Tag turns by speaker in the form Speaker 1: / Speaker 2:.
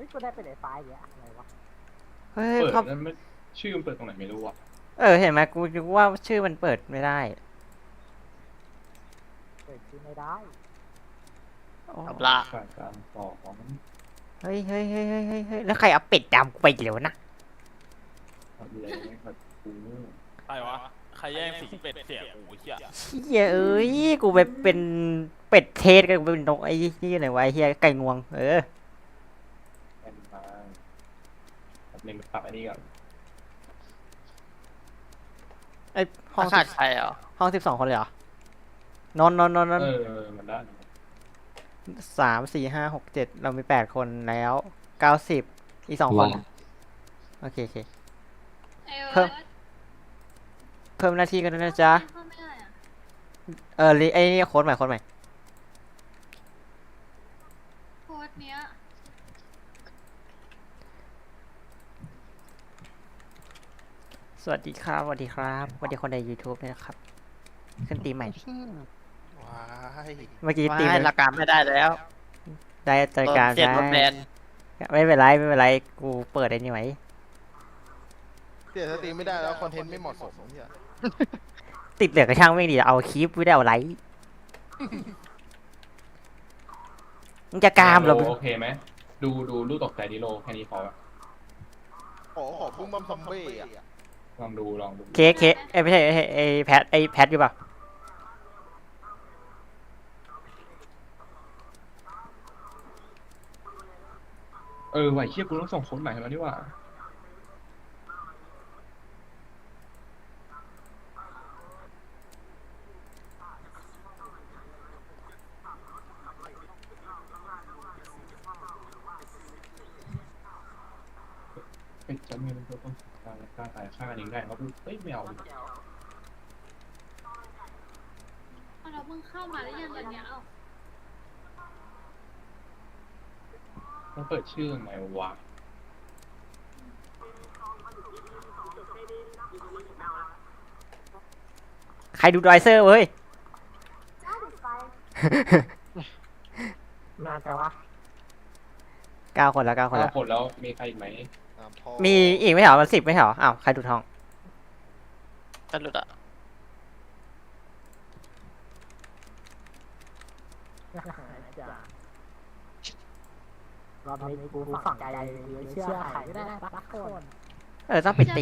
Speaker 1: ฮ้ยกูได้เป็นไอ้ไฟล์อย่างอะไรวะ
Speaker 2: เฮ้ย
Speaker 3: เปิด
Speaker 2: เขา
Speaker 3: นั้นไม่ชื่อมันเปิดตรงไหนไม่รู้อ่ะ
Speaker 2: เห็นไหมกูนึกว่าชื่อมันเปิดไม่ได้
Speaker 1: เปิดชื่อไม่ได้
Speaker 2: โอ้
Speaker 4: เอาละ
Speaker 3: ฝ่ายการต่อของ
Speaker 2: เฮ้ยแล้วใครเอาเป็ดดำกูไปอีกแล้วนะ
Speaker 3: อะไรแบบกู
Speaker 5: ใครวะ ใครแย่งสีเป็ดเสียโอ้ยเหี้ย
Speaker 2: เฮียเอ้ยกูไปเป็นเป็ดเทสกันกูเป็นนกไอ้นี่ไหนวะไอ้เฮียไก่งวง
Speaker 3: แอนมาแบบนึงปรับอันนี้ก่อน
Speaker 2: ไอ้ห้อง
Speaker 4: ขาดใครเหรอ
Speaker 2: ห้อง12 คนเลยเหรอนอน
Speaker 3: มันได้
Speaker 2: 3 4 5 6 7เรามี8 คนแล้ว90อีก2 คนโอเคเพิ่มหน้าที่กันด้วยนะจ๊ะไอ้นี่โค้ดใหม่
Speaker 6: โค้ดเนี้ย
Speaker 2: สวัสดีครับสวัสดีคนใน YouTube ด้วยนะครับขึ้นตีมใหม่
Speaker 5: ว้าย
Speaker 2: เมื่อกี้ตีม
Speaker 4: ไม่ละการไม่ได้แล้ว
Speaker 2: ได้รายการ
Speaker 4: เปลี่ยนรถแบน
Speaker 2: ไม่เป็นไรกูเปิดไอ้นี่ไว้
Speaker 7: เปลี่ยนสตรีมไม่ได้แล้วคอนเทนต์ไม่เหมาะสมที่อะ
Speaker 2: ติดเหลือกระช่างไม่ดีเอาคลิปไม่ได้เอาไลค์มึงจะกามเหรอ
Speaker 3: โอเคไหมดูรูปตกใจดิโลแค่นี้พอ
Speaker 7: ขอพุ่งบัมซอมบี้อะ
Speaker 3: ลองดู
Speaker 2: เค้กไม่ใช่ไอ้แพทอยู่ป่ะ
Speaker 3: ไหวเชี่ยกูต้องส่งโค้ดใหม่แล้วนี่ว่าเป็นจำเงินก็ต้องกล้าตายฆ่ากันเองได้เขาพูดเฮ้ยไม่เอา
Speaker 6: เราเพิ่งเข้ามาได้ยังวันเนี้ยเอ้า
Speaker 3: ต้องเปิดชื่อไงวะ
Speaker 2: ใครดูดอยเซอร์เว้ย
Speaker 1: นานแต่วะ
Speaker 2: 9 คนแล้ว
Speaker 3: คนแล้วมีใครอีกไหม
Speaker 7: พ่อ
Speaker 2: มีอีกไม่เหรอมัน10ไม่เหรออ้าวใครดูดทอง
Speaker 4: จะหลุดอ่ะ
Speaker 1: จ้ะรอบนี้กูฝังใจเชื่อใครไม่ได้สักคน
Speaker 2: ต้องปิดตี